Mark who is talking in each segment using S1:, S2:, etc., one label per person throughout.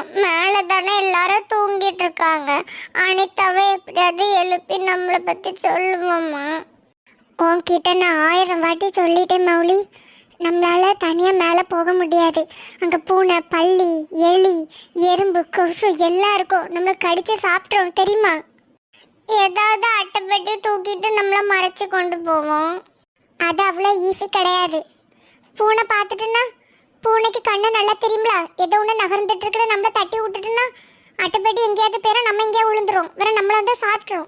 S1: மேல தானே எல்லாரும் தூங்கிட்டு இருக்காங்க. அனிதாவை எப்படியாவது எழுப்பி நம்மளை பத்தி சொல்லுவோம்மா. உன்கிட்ட நான் 1000 வாட்டி சொல்லிட்டேன் மௌலி, நம்மளால தனியா மேல போக முடியாது. அங்க பூனை, பல்லி, எலி, எறும்பு, கொசு எல்லாம் இருக்கும். நம்மள கடிச்சு சாப்பிட்றோம் தெரியுமா? ஏதாவது அட்டைப்பட்டி தூக்கிட்டு நம்மள மறைச்சு கொண்டு போவோம். அது அவ்வளோ ஈஸி கிடையாது. பூனை பார்த்துட்டுன்னா, பூனைக்கு கண்ணு நல்லா தெரியுங்களா? ஏதோ ஒன்று நகர்ந்துட்டு இருக்கிற நம்மள தட்டி விட்டுட்டுன்னா அட்டைப்பட்டி எங்கேயாவது பேர நம்ம எங்கேயா விழுந்துரும். வேற நம்மள வந்து சாப்பிட்றோம்.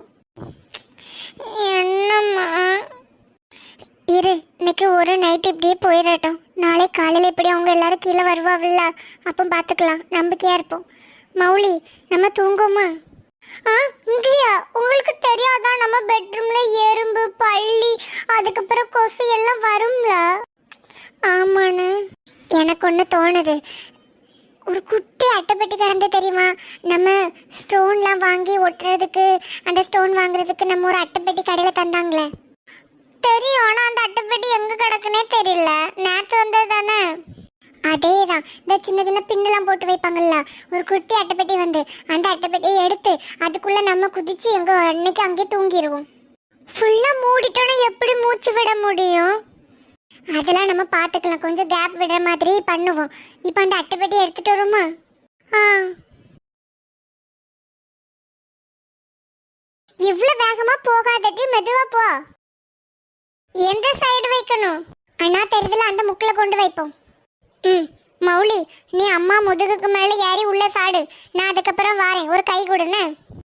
S1: என்னம்மா இரு, இன்னைக்கு ஒரு நைட் இப்படியே போயிடட்டும். நாளை காலையில் இப்படி அவங்க எல்லாரும் கீழே வருவாவில்ல, அப்போ பார்த்துக்கலாம். நம்பிக்கையா இருப்போம். மௌலி, நம்ம தூங்குமா? இங்கேயா? உங்களுக்கு தெரியாதான் நம்ம பெட்ரூம்ல எறும்பு, பல்லி, அதுக்கப்புறம் கொசு எல்லாம் வரும்ல? ஆமாண்ணு. எனக்கு ஒன்று தோணுது. ஒரு குட்டி அட்டைப்பட்டி கிடந்து தெரியுமா? நம்ம ஸ்டோன்லாம் வாங்கி ஒட்டுறதுக்கு, அந்த ஸ்டோன் வாங்குறதுக்கு நம்ம ஒரு அட்டைப்பட்டி கடையில் தந்தாங்களே. தெரியும், ஆனால் அந்த அட்டைப்பட்டி எங்கே கிடக்குன்னே தெரியல. நேற்று வந்தது தானே? அதே தான். இந்த சின்ன சின்ன பின்னெல்லாம் போட்டு வைப்பாங்கல்ல, ஒரு குட்டி அட்டைப்பட்டி வந்து அந்த அட்டைப்பட்டியை எடுத்து அதுக்குள்ளே நம்ம குதிச்சு எங்கே அன்னைக்கு அங்கேயே தூங்கிடுவோம். ஃபுல்லாக மூடிட்டோன்னா எப்படி மூச்சு விட முடியும்? அதெல்லாம் நம்ம பார்த்துக்கலாம். கொஞ்சம் கேப் விடுற மாதிரி பண்ணுவோம். இப்போ அந்த அட்டைப்பட்டி எடுத்துட்டு வருமா? இவ்வளோ வேகமாக போகாதடி, மெதுவாக போ. எந்த சைடு வைக்கணும்? அண்ணா தெரியுதுல, அந்த முக்கில் கொண்டு வைப்போம். மௌலி, நீ அம்மா முதுகுக்கு மேலே ஏறி உள்ள சாடு. நான் அதுக்கப்புறம் வாரேன். ஒரு கை கொடுன்னு.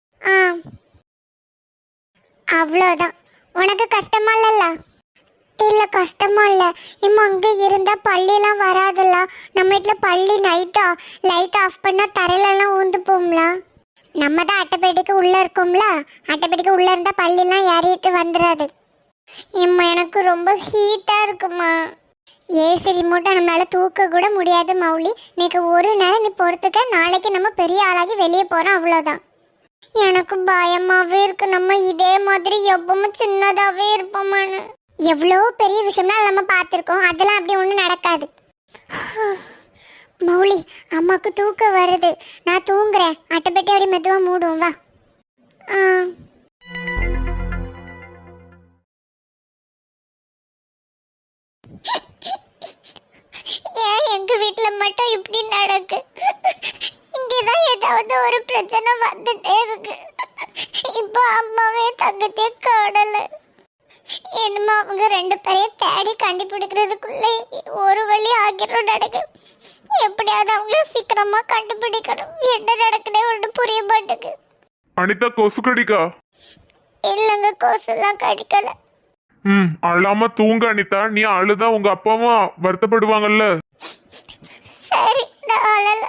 S1: அவ்வளோதான். உனக்கு கஷ்டமா இல்லல்ல? இல்லை கஷ்டமா இல்லை. இம்மா அங்கே இருந்தால் பள்ளியெல்லாம் வராதுல்ல. நம்ம வீட்டில் பள்ளி லைட் ஆஃப் பண்ணால் தரையிலலாம் ஊந்து போம்ல. நம்ம தான் அட்டைப்பேட்டிக்கு உள்ளே இருக்கோம்ல, அட்டைப்பேட்டிக்கு உள்ளே இருந்தால் பள்ளியெல்லாம் ஏறிட்டு வந்துடாது. இம்மா எனக்கு ரொம்ப ஹீட்டாக இருக்குமா. ஏசி ரிமோட்டை நம்மளால தூக்க கூட முடியாது மௌலி. இன்னைக்கு ஒரு நேரம் நீ பொறுத்துக்க. நாளைக்கு நம்ம பெரிய ஆளாகி வெளியே போகிறோம், அவ்வளோதான். எனக்கு பயமாகவே இருக்கு. நம்ம இதே மாதிரி எப்பவும் சின்னதாகவே இருப்போமான்னு. எவ்வளோ பெரிய விஷயம்லாம் நம்ம பார்த்துருக்கோம். அதெல்லாம் அப்படி ஒன்றும் நடக்காது. மௌலி, அம்மாவுக்கு தூக்கம் வருது. நான் தூங்குறேன். அட்டைப்பட்டி அப்படி மெதுவாக மூடுவோம் வா. ஏன் எங்க வீட்டுல மட்டும் இப்படி நடக்கு? இங்கதான் ஏதாவது ஒரு பிரச்சனை வந்துட்டே இருக்கு. இப்போ அம்மாவே தங்கத்தே காணல. என்னமோ அவங்க 2 பேரையும் தேடி கண்டுபிடிக்கிறதுக்குள்ள ஒரு வழி ஆகிரும் நடக்கு. எப்படியாவது அவங்கள சீக்கிரமா கண்டுபிடிக்கணும். என்ன நடக்குனே ஒன்றும் புரிய மாட்டேங்குது.
S2: அனிதா, கொசு கடிக்கா?
S1: இல்லைங்க, கொசுலாம் கடிக்கல.
S2: அழாம தூங்க அனிதா. நீ அழுதா உங்க அப்பாவும் வருத்தப்படுவாங்கல்ல.
S1: சரி, நான் அழல.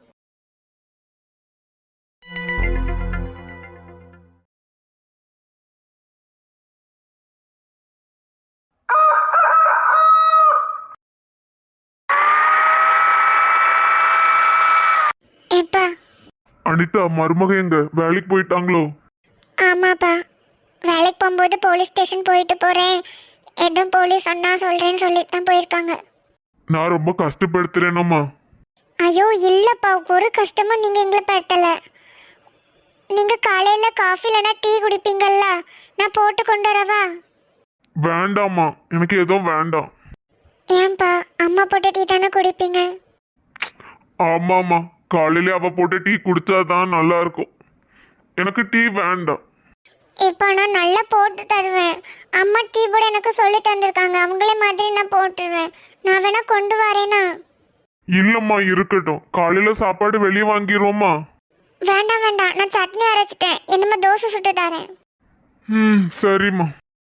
S2: அனிதா, மருமக எங்க? வேலைக்கு போயிட்டாங்களோ?
S1: ஆமாப்பா, வேலைக்கு போகும்போது போலீஸ் ஸ்டேஷன் போயிட்டு போறேன், எதுவும் போலீஸ் சொன்னா சொல்றேன்னு சொல்லிட்டு தான் போயிருக்காங்க.
S2: நான் ரொம்ப கஷ்டப்படுத்துறேனம்மா.
S1: ஐயோ இல்லப்பா, ஒரு கஷ்டமும் நீங்க எங்களை படுத்தல. நீங்க காலையில காஃபி இல்லைன்னா டீ குடிப்பீங்கல்ல, நான் போட்டு கொண்டு வரவா?
S2: வேண்டாம்மா, எனக்கு எதுவும் வேண்டாம்.
S1: ஏன்பா, அம்மா போட்ட டீ தானே குடிப்பீங்க?
S2: ஆமாம்மா, காலையில அவ போட்ட டீ குடிச்சாதான் நல்லா இருக்கும். எனக்கு டீ வேண்டாம்.
S1: இப்போ நான் நல்லா போட்டு தருவேன். அம்மா டீ போட எனக்கு சொல்லி தந்திருக்காங்க. அவங்களே மாதிரி நான் போட்டுருவேன். நான் வேணா கொண்டு வரேனா?
S2: இல்லம்மா, இருக்கட்டும். காலையில சாப்பாடு வெளியே வாங்கிடுவோமா?
S1: வேண்டாம் வேண்டாம், நான் சட்னி அரைச்சிட்டேன். என்னமா தோசை சுட்டு தரேன்.
S2: சரிம்மா.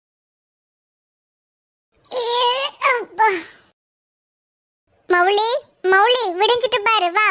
S1: மௌலி, மௌலி, விடிஞ்சிட்டு பாரு வா.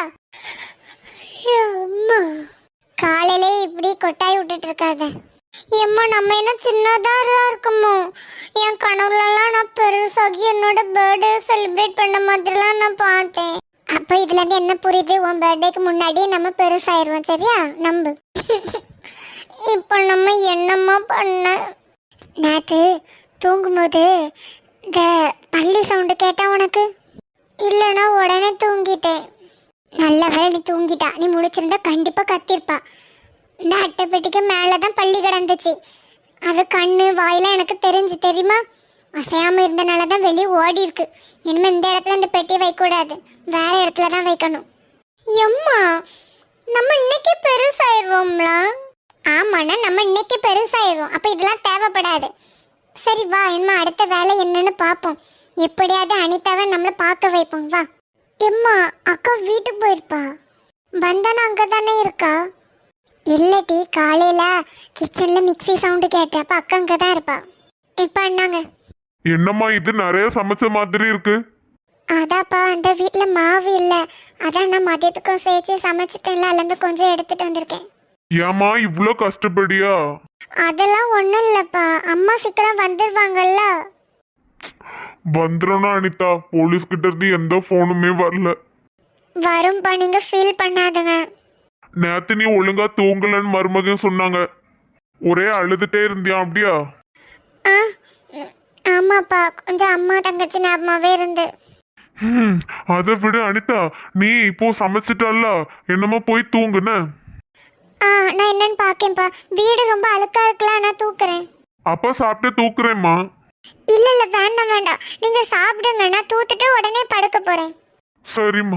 S1: காலையிலே இப்படி கொட்டாய் விட்டுட்டு இருக்காத. ஏம்மா, நம்ம என்ன சின்னதா இருக்குமோ? என் கனவுலலாம் நான் பெருசாகி என்னோட பர்த்டே செலிப்ரேட் பண்ண மாதிரிலாம் நான் பார்த்தேன். அப்போ இதுல இருந்து என்ன புரியுது? உன் பர்த்டேக்கு முன்னாடி நம்ம பெருசாயிருவோம், சரியா? நம்பு. இப்போ நம்ம என்னம்மா பண்ண? நேற்று தூங்கும்போது இந்த பள்ளி சவுண்டு கேட்டா உனக்கு? இல்லைன்னா உடனே தூங்கிட்டேன். நல்ல வேளை நீ தூங்கிட்டா, நீ முழிச்சிருந்தா கண்டிப்பா கத்திருப்பா. இந்த அட்டைப்பெட்டிக்கு மேலதான் பள்ளி கிடந்துச்சு. அது கண்ணு வாயெல்லாம் எனக்கு தெரிஞ்சு தெரியுமா. அசையாம இருந்தனாலதான் வெளியே ஓடி இருக்கு. இனிமே இந்த இடத்துல இந்த பெட்டியை வைக்கக்கூடாது, வேற இடத்துல தான் வைக்கணும். எம்மா, நம்ம இன்னைக்கு பெருசாயிருவோம்ல. ஆமாண்ணா, நம்ம இன்னைக்கு பெருசாயிருவோம். அப்ப இதெல்லாம் தேவைப்படாது. சரி வா, என்ன அடுத்த வேலை என்னன்னு பார்ப்போம். எப்படியாவது அனிதாவை நம்மளை பார்க்க வைப்போம். வா. எம்மா, அக்கா வீட்டுக்கு போயிருப்பா. வந்தானா அங்கே தானே இருக்கா? இல்லடி, காலையில கிச்சன்ல மிக்ஸி சவுண்டு கேட்டப்ப அக்கா அங்கே தான் இருப்பா. இப்போ அண்ணாங்க.
S2: என்னம்மா இது நிறைய சமைச்ச மாதிரி இருக்கு?
S1: அதாப்பா, அந்த வீட்டில் மாவு இல்லை. அதான் நான் மதியத்துக்கும் சேர்த்து சமைச்சிட்டேன்ல, அதுலேருந்து கொஞ்சம் எடுத்துட்டு வந்திருக்கேன்.
S2: ஏமா இவ்வளோ கஷ்டப்படியா?
S1: அதெல்லாம் ஒன்றும் இல்லைப்பா, அம்மா சீக்கிரம் வந்துடுவாங்கல்ல.
S2: வந்துடும்னா அனிதா, போலீஸ் கிட்ட இருந்து எந்த போனுமே வரல.
S1: வரும்பா, நீங்க ஃபீல் பண்ணாதுங்க.
S2: நேத்து நீ ஒழுங்கா தூங்கலன்னு மருமகன் சொன்னாங்க. ஒரே அழுதுட்டே இருந்தியா அப்படியா?
S1: ஆ, ஆமாப்பா, கொஞ்சம் அம்மா தங்கச்சி ஞாபகமாவே இருந்து.
S2: அதை விட அனிதா, நீ இப்போ சமைச்சிட்டல்ல, என்னமோ போய் தூங்குன.
S1: நான் என்னன்னு பாக்கேன்ப்பா. வீடு ரொம்ப அழுக்கா இருக்கலாம், நான் தூக்குறேன்.
S2: அப்ப சாப்பிட்டு தூக்குறேம்மா.
S1: இல்ல இல்ல, வேண்டாம் வேண்டாம், நீங்க சாப்பிடுங்க, நான் தூத்துட்டு உடனே படுக்க போறேன்.
S2: சரிம்மா.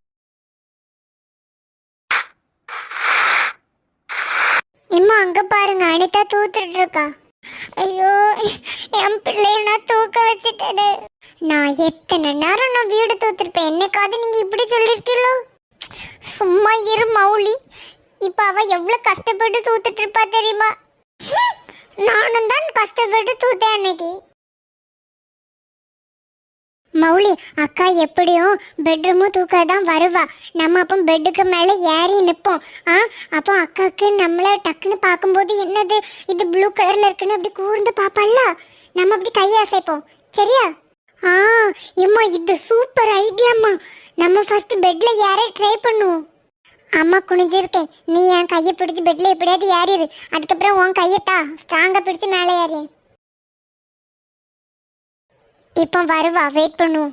S1: இம்மா, அங்க பாருங்க, அனிதா தூத்துட்டு இருக்கா. ஐயோ, என் பிள்ளைய நான் தூக்க வச்சுட்டேன். நான் எத்தனை நேரம் நான் வீடு தூத்துருப்பேன், என்னைக்காவது நீங்க இப்படி சொல்லிருக்கீங்களோ? சும்மா இரு மௌலி. இப்ப அவ எவ்வளவு கஷ்டப்பட்டு தூத்துட்டு இருப்பா தெரியுமா? நானும் தான் கஷ்டப்பட்டு தூத்தேன் அன்னைக்கு. மௌலி, அக்கா எப்படியும் பெட்ரூமும் தூக்கதான் வருவா. நம்ம அப்போ பெட்டுக்கு மேலே ஏறி நிற்போம். அப்போ அக்காவுக்கு நம்மளை டக்குன்னு பார்க்கும்போது என்னது இது ப்ளூ கலரில் இருக்குன்னு அப்படி கூர்ந்து பார்ப்பாள்ல, நம்ம அப்படி கையை அசைப்போம். சரியா? இம்மா, இது சூப்பர் ஐடியாம்மா. நம்ம ஃபர்ஸ்ட் பெட்டில் ஏற ட்ரை பண்ணுவோம். அம்மா குனிஞ்சிருக்கேன், நீ என் கையை பிடிச்சி பெட்டில் எப்படியாவது ஏறிடு. அதுக்கப்புறம் உன் கையட்டா ஸ்ட்ராங்காக பிடிச்சி மேலே ஏறி. இப்போ வருவா, வெயிட் பண்ணுவோம்.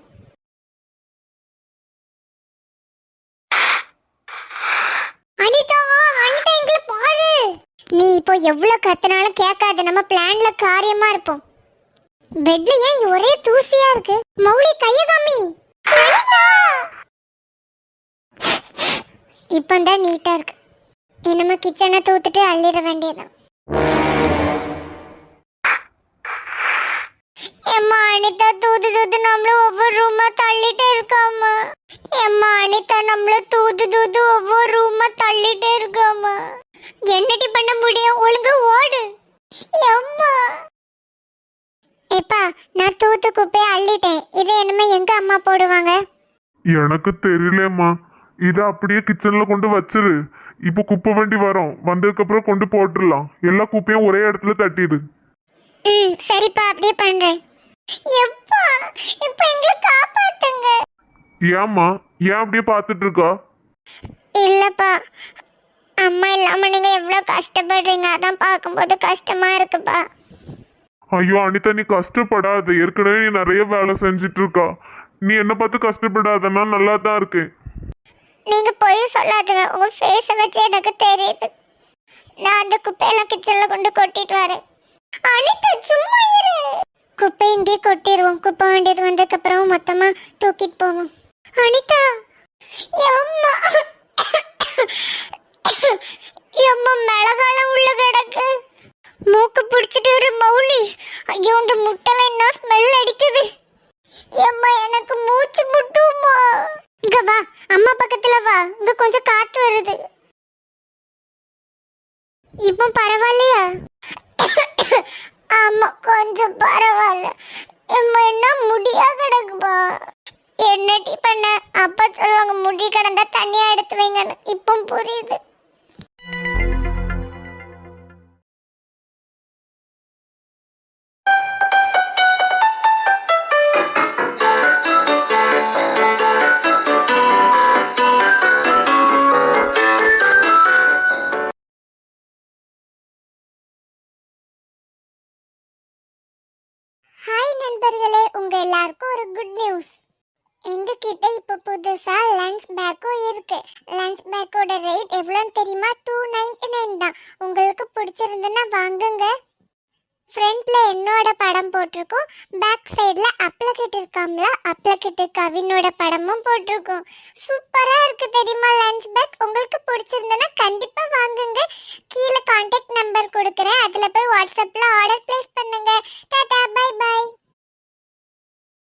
S1: அனிதா, அனிதா எங்களை பாரு. நீ இப்போ எவ்வளவு கத்தினாலும் கேட்காது, நம்ம பிளான்ல காரியமா இருப்போம். பெட்ல ஏன் ஒரே தூசியா இருக்கு? மௌலி, கைய காமி. இப்பந்தான் நீட்டா இருக்கு. என்னமா கிச்சனை தூத்துட்டு அள்ளிட வேண்டியதான். எம்மா, அனிதா தூது தூது நம்மள ஒவ்வொரு ரூமா தள்ளிட்டே இருக்காமா. எம்மா, அனிதா நம்மள தூது தூது ஒவ்வொரு ரூமா தள்ளிட்டே இருக்காமா. என்னடி பண்ண முடியும்? ஒழுங்கா ஓடு. எம்மா. எப்பா, நான் தூத்து குப்பையை அள்ளிட்டேன். இதை என்னமே எங்க அம்மா போடுவாங்க?
S2: எனக்கு தெரியலம்மா. இதை அப்படியே கிச்சன்ல கொண்டு வச்சிரு. இப்போ குப்பை வண்டி வரும், வந்ததுக்கு அப்புறம் கொண்டு போட்டுடலாம். எல்லா குப்பையும் ஒரே இடத்துல தட்டிடு.
S1: சரிப்பா, அப்படியே பண்றேன். எப்பா, இப்போ எங்களை காப்பாத்துங்க.
S2: ஏம்மா, ஏன் அப்படியே பார்த்துட்டு இருக்கா?
S1: இல்லப்பா, அம்மா இல்லாம நீங்க எவ்வளவு கஷ்டப்படுறீங்க, அதான் பார்க்கும்போது கஷ்டமா இருக்குப்பா.
S2: ஐயோ அனிதா, நீ கஷ்டப்படாத. ஏற்கனவே நீ நிறைய வேலை செஞ்சுட்டு இருக்கா. நீ என்ன பார்த்து கஷ்டப்படாதன்னா நல்லா தான் இருக்கு.
S1: நீங்க போய் சொல்லாதுங்க, உங்க ஃபேஸ வச்சு எனக்கு தெரியுது. நான் அந்த குப்பையெல்லாம் கிச்சன்ல கொண்டு கொட்டிட்டு வரேன். அனிதா, சும்மா இரு. குப்பை இங்கே கொட்டிடுவோம். குப்பை வண்டியது வந்ததுக்கு அப்புறம் மொத்தமா தூக்கிட்டு போவோம். அனிதா, எம்மா எம்மா, மிளகாலம் உள்ள கிடக்கு. மூக்கு பிடிச்சிட்டு ஒரு மௌலி. ஐயோ, இந்த முட்டைல என்ன ஸ்மெல் அடிக்குது. எம்மா, எனக்கு மூச்சு முட்டுமா. இங்க வா, அம்மா பக்கத்துல வா, இங்க கொஞ்சம் காத்து வருது. இப்போ பரவாயில்லையா? ஆமா, கொஞ்சம் பரவாயில்ல. எம்மா, என்ன முடியா கிடக்குப்பா. என்னடி பண்ண? அப்பா சொல்லுவாங்க முடி கிடந்தா தண்ணியா எடுத்து வைங்கன்னு. இப்போ புரியுது. ஹாய் நண்பர்களே, உங்க எல்லாருக்கும் ஒரு குட் நியூஸ். எங்ககிட்ட இப்போ புதுசா லஞ்ச் பேக்கும் இருக்கு. லஞ்ச் பேக்கோட ரேட் எவ்வளோன்னு தெரியுமா? 299 தான். உங்களுக்கு பிடிச்சிருந்துன்னா வாங்குங்க. ஃப்ரண்ட்ல என்னோட படம் போட்டிருக்கோம், பேக் சைடுல அப்ளகிட் இருக்காம்ல, அப்ளகிட் கவினோட படமும் போட்டிருக்கோம். சூப்பரா இருக்கு தெரியுமா லஞ்ச் பேக். உங்களுக்கு பிடிச்சிருந்தனா கண்டிப்பா வாங்குங்க.